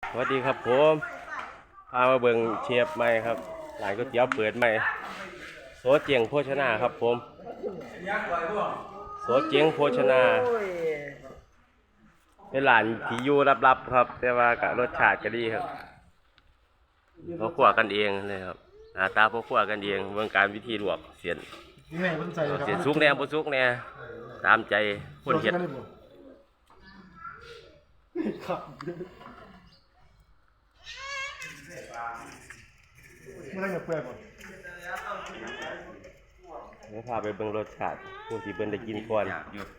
สวัสดีครับผมพามาเบิ่งเชฟใหม่ครับร้านก๋วยเตี๋ยวเปิดใหม่โสเจียงโภชนาครับผมโสเจียงโภชนาเป็นร้านที่อยู่ลับๆครับแต่ว่าก็รสชาติก็ดีครับเขาคั่วกันเองเลยครับหน้าตาเขาคั่วกันเองเบื้องการวิธีลวกเสียนเสียนสุกแน่บ่สุกแน่ตามใจคนเฮ็ดไม่ได้เงินเปลือกหมดเดี๋ยวพาไปเบิ่งรสชาติผู้ที่เพิ่นได้กินก่อน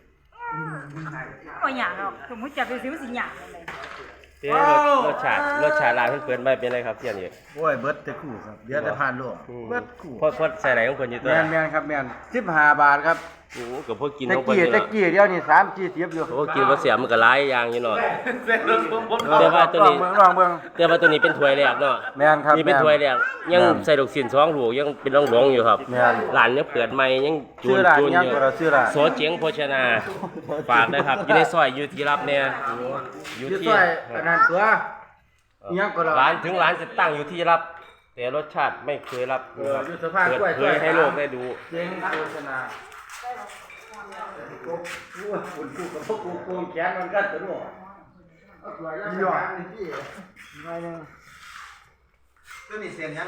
ก็อยากหรอกสมมติจะไปซื้อสิอยากเลยเด้รสชาติร้านเพิ่นเปิดไว้เป็นไรครับเที่ยนี่โอ้ยเบิร์ดแต่คู่ครับเดี๋ยวแต่ผ่านโลกเบิร์ดคู่พอใส่ไหนของเพิ่นอยู่ตัวแมนครับแมน15 บาทครับโอ้ก็พอกินตะของเพิ่นกี้อยู่ตะเนาะกี้เดี๋ยวนี้3-40อยู่โอ้กินบ่เสียมันก็หลายอย่างอยู่เนาะ แต่ว่าตัวนี้ลองเบิ่งแต่ว่าตัวนี้เป็นถ้วยแรกเนาะแม่นครับนี่เป็นถ้วยแรกยังใส่ดอกสิน2ลูกยังเป็นร่องๆอยู่ครับแม่นร้านยังเปิดใหม่ยังจูชื่อน ร้านจูนยังอยู่ก็เราชื่อร้านโสเจียงโภชนาฝากด้วยครับอยู่ในซอยอยู่ที่รับเนี่ยอยู่ชื่อที่ซอยอันนั้นตัวยังก็เราร้านถึงร้านจะตั้งอยู่ที่รับ แต่รสชาติไม่เคยรับอยู่สะพานเปิดกล้วยเผยให้โลกได้ดูเจ๊งโฆษณากูกับพวกกูโกงแขนมันกันตัวนู้นยอดตัวนี้เสียงยัง